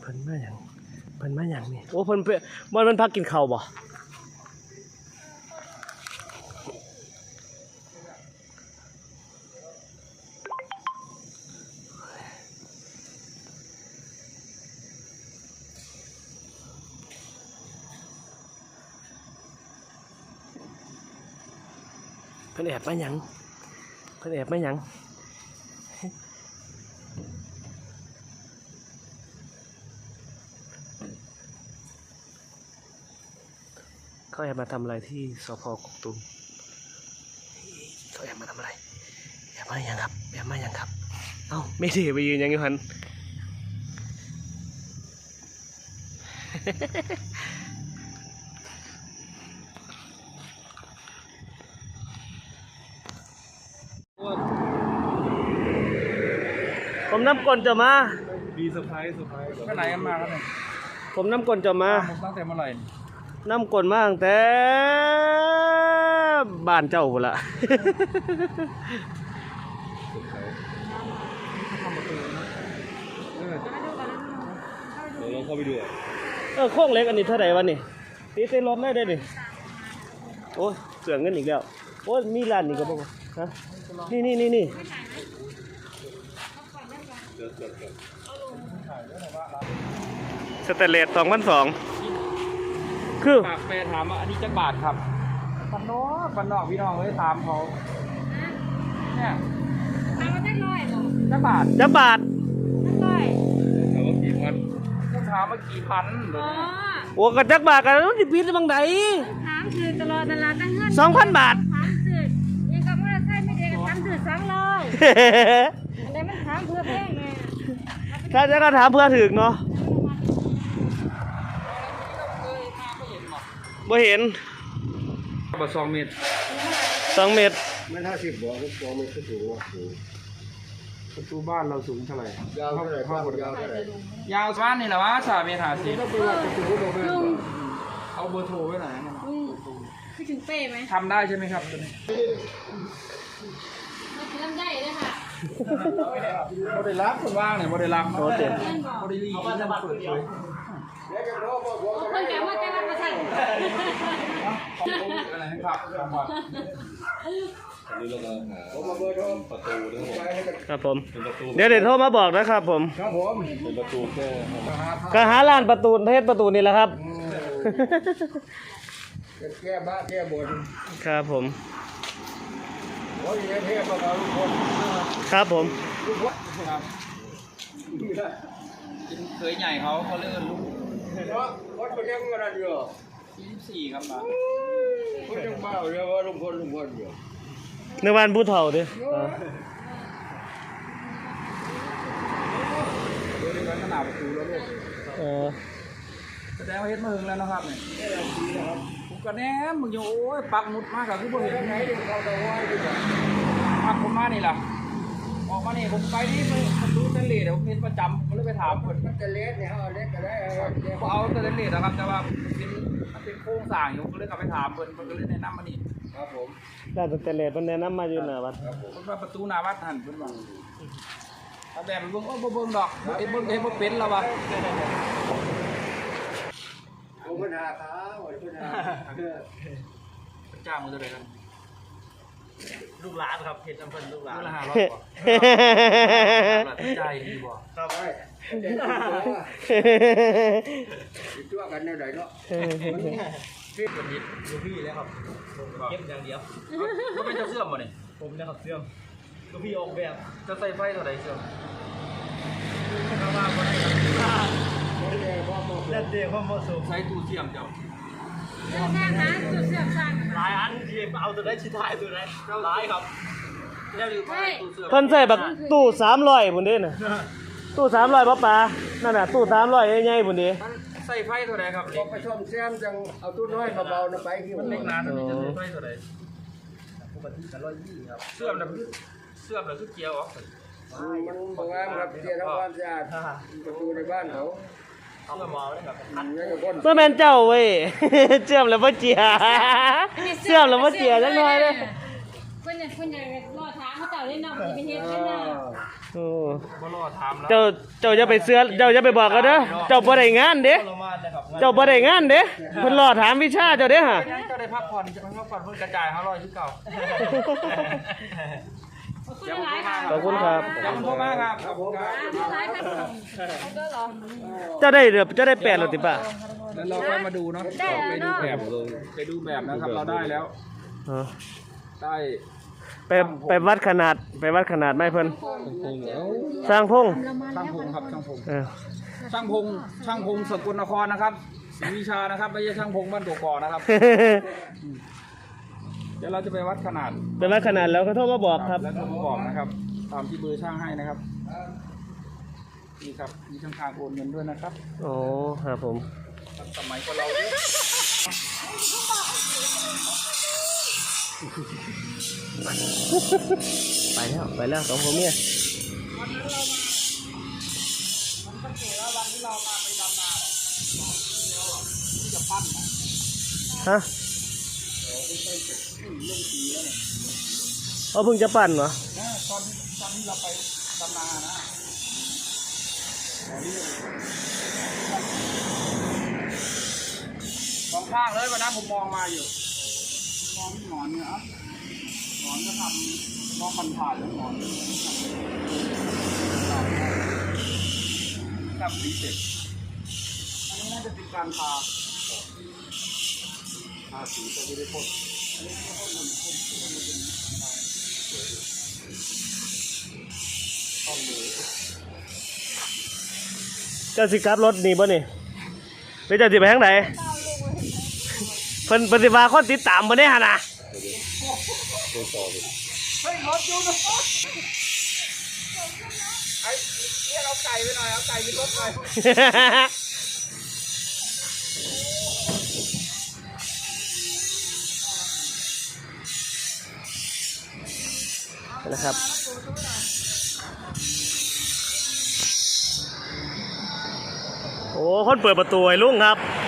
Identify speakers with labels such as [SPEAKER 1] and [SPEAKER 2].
[SPEAKER 1] พิ่นมาหยังนี่โอ้เพิ่นมันพักกินข้าวบ่เพิ่นแอบมาหยังเขาแอบมาทำอะไรที่สพ.กกตูมเขาแอบมาทำอะไรแอบมาหยังครับเอ้าไม่ได้ไปยืนยังอยู่หันผมน้ำกลจะมา
[SPEAKER 2] มีเซอร์ไพรส์ไปไหนกันมาครับเนี่ย
[SPEAKER 1] ผมน้ำกลจะมา
[SPEAKER 2] ตั้งแต่เมื่อไหร่
[SPEAKER 1] น้ำกลมาตั้งแต่บ้านเจ้าพุ่นละ
[SPEAKER 2] เราเข้าไปดู
[SPEAKER 1] โค้งเล็กอันนี้เท่าไหร่วะนี่ตีเต้นรถได้ดิโอ้ยเสือเงินอีกแล้วโอ้ยมีร้านนี่ก็บอกฮะนี่สเตเลส2,200คือ
[SPEAKER 2] ฝากแฟนถามว่าอันนี้จักบาทครับปันนอกพี่น้องเลยถามเขาเนี่ย
[SPEAKER 3] ถามว่าได้ร้อยหรอ
[SPEAKER 2] จักบาท
[SPEAKER 3] ได้ร้อย
[SPEAKER 2] ถามว่ากี่พันถามว่ากี่พัน
[SPEAKER 1] โอ้กระจักบาทกันแล้วที่พิษบางใด
[SPEAKER 3] ถามคือตลอดตลาดตั้งเงิน
[SPEAKER 1] 2,000 บาท
[SPEAKER 3] ถามคือยังกับว่าใช่ไม่ได้ถามคือ200อะไรมันถามเพื่อแพงไง
[SPEAKER 1] ถ้าจะก็ถามเพื่อถึงเนาะบ่เห็น
[SPEAKER 2] บ่2 เมตร
[SPEAKER 1] 2 เมตร
[SPEAKER 2] ไม่50บ่2 เมตรก็สูงประตูบ้านเราสูงเท่าไหร่ยาวเท่าไหร่ยาวบ้านนี่แหละวะ3 เมตร50เอาเบอร์โทรไว้ไหน
[SPEAKER 3] ไม่ถึงเป้ไหม
[SPEAKER 2] ทำได้ใช่ไหมครับตัวนี้
[SPEAKER 3] ทำได้เลยค่ะ
[SPEAKER 2] โมเดลลักคนว่างเนี่ยโมเดลลักโมเดลลีมันจะเปิดเผย
[SPEAKER 3] คนแก่ว่าจะมาประชัน
[SPEAKER 2] อะไรครับ
[SPEAKER 1] ครับผมเดี๋ยวโทรมาบอกนะครับผม
[SPEAKER 2] เป็นประตู
[SPEAKER 1] ก็หาร้านประตูเทศประตูนี่แหละครับ
[SPEAKER 2] แก้บ้าแก้บน
[SPEAKER 1] ครับผม
[SPEAKER 2] ครับ
[SPEAKER 1] ผม
[SPEAKER 2] เคยใหญ่เขาเลื่อนลูกวัดคนยังอะไรอยู่24ครับมาคนยังบ้าเรียกว่าลุงพลอยู่
[SPEAKER 1] ในวันผู้เฒ่าดิ
[SPEAKER 2] ขนาดประตูแล้วลูกแสดงว่าเฮ็ดมาถึงแล้วนะครับเนี่ยผมก็แนมมึงโอ้ยปักหมุดมากกับคือบ่เห็นไงปักผมมานี่ล่ะออกมานี่ผมไปนี่มันดูเตเลสผมเห็นประจำผมเลยไปถามคนเตเลสเนี่ยเอาเล็กก็ได้เอาเตเลสนะครับแต่ว่ามันเป็นโครงสร้างอยู่ก็เลยกลับไปถามคนก็เลยแนะนำมานี่ครับผม
[SPEAKER 1] ได้เตเลสมันแนะนำมาอยู่หน้าวัด
[SPEAKER 2] ผมว่าประตูหน้าวัดหันเพิ่นว่าเอาแบบเบิ่งเบิ่งดอกเบิ่งเป็นแล้ววะผมเพิ่นหาขาเพิ่นหาจ้างมื้อเท่าไหร่ครับ
[SPEAKER 1] ลูกหลานครับเห็ดน้ำเพิ่นลูกหลาน
[SPEAKER 2] ละ500บ่ใจดีบ่
[SPEAKER 1] ครับ
[SPEAKER 2] ชั่วกันแนวใดเนาะพี่เป็นนิดลูกพี่แล้วครับเก็บอย่างเดียวบ่เป็นเจ้าเสื่อมบ่นี่
[SPEAKER 1] ผมนะครับเสื่อมลูกพี่ออกแบบ
[SPEAKER 2] จะใส่ไฟเท่าใดเสื่อม
[SPEAKER 1] ถ้าว่าบ่ได้แล้วเดี๋ยวพ่อเหมาะสม
[SPEAKER 2] ใช้ตู้เสื่อมเจ้า
[SPEAKER 3] สร้างหาจุดเสื่อมสร้าง
[SPEAKER 1] หลายอันที่เอาตัวได้ชิ้นท้ายตัวไหนหลายครับ
[SPEAKER 2] แล้วอยู่ตู้เสื่อม
[SPEAKER 1] เพิ่นใส่แบบตู้300พุ่นเด้น่ะตู้300บ่ป่านั่นน่ะตู้300ใหญ่ๆพุ่นเด้
[SPEAKER 2] ใส่ไฟเท่าใดครับพอไปชมแซมจังเอาตู้น้อยมาเบาๆนะไปที่มันเล็กนานจะใส่ไฟเท่าใดปกติก็120ครับเสื่อมแล้วคือเกียร์ออกมันบ่งามครับเกียร์ทำความสะอาดประตูในบ้านเขา
[SPEAKER 1] เมื่อแม่นเจ้าเว้ยเชื่อมแล้วบ่เจียเชื่อมแล้วบ่เจียจังหน่อยเด้
[SPEAKER 3] เพิ่นอยากรอถามเขาเจ้าได้นำไปเฮ็ดกันน่ะ
[SPEAKER 1] โอ้
[SPEAKER 2] บ่รอถามแล้ว
[SPEAKER 1] เจ้าจะไปเสือเจ้าจะไปบอกกันเด้อเจ้าบ่ได้งานเด้เจ้าบ่ได้งานเด้เพิ่นรอถามวิชาเจ้าเด้ฮะ
[SPEAKER 2] เจ้าได้พักผ่อนจะพักผ่อนเพิ่นกระจาย500คือเก่า
[SPEAKER 1] ขอบคุณครับ
[SPEAKER 2] ขอบคุณมากครับขอบคุณครับ
[SPEAKER 1] เจ้าได้เด้อเจ้าได้8แล้วติป่ะ
[SPEAKER 2] แล้วเราค่อยมาดูเนาะไปดูแบบนะครับเราได้แล้ว
[SPEAKER 1] อ๋อ
[SPEAKER 2] ได้
[SPEAKER 1] ไปวัดขนาดไม้เพิ่นสร้างพง
[SPEAKER 2] ช่างพงครับช่างพง
[SPEAKER 1] เออ
[SPEAKER 2] ช่างพงสกลนครนะครับศรีวิชานะครับไม่ใช่ช่างพงบ้านกกอกนะครับ เดี๋ยวเราจะไปวัดขนาด
[SPEAKER 1] ไปวัดขนาดแล้วก็โทรมาบอกครับ
[SPEAKER 2] แล้วก็มาบอกนะครับตามที่เบอร์ช่างให้นะครับนี่ครับมีช่องทางโอนเงินด้วยนะครับ
[SPEAKER 1] โอ้ครับผม
[SPEAKER 2] สมัยของเราด้วย
[SPEAKER 1] ไปแล้วสองผมเนี่ยฮะเพิ่งจะปั่นเหรอ
[SPEAKER 2] ตอนที่เราไปดำนานะสองข้างเลยวันนั้นผมมองมาอยู่มองที่หนอนเนี่ยครับหนอนก็ทำมองผ่านๆแล้วหนอนทำสีเสร็จอันนี้น่าจะเป็นการทาสีตัวไม่ได้พ่นอันนี้ไม่ได้พ่นต้องมือ
[SPEAKER 1] เจ้าสิกลับรถนี่บ่นี่หรือเจ้าสิไปทางไหนเพิ่นสิว่าคนติดตามบ่ได้หั่นน่ะ
[SPEAKER 2] เฮ้ยรถอยู่นะไอ้เรียกเอาไก่ไปหน่อยเอาไก่ไปรถหน่อย
[SPEAKER 1] นะครับโอ้คนเปิดประตูไอ้ลุงครับ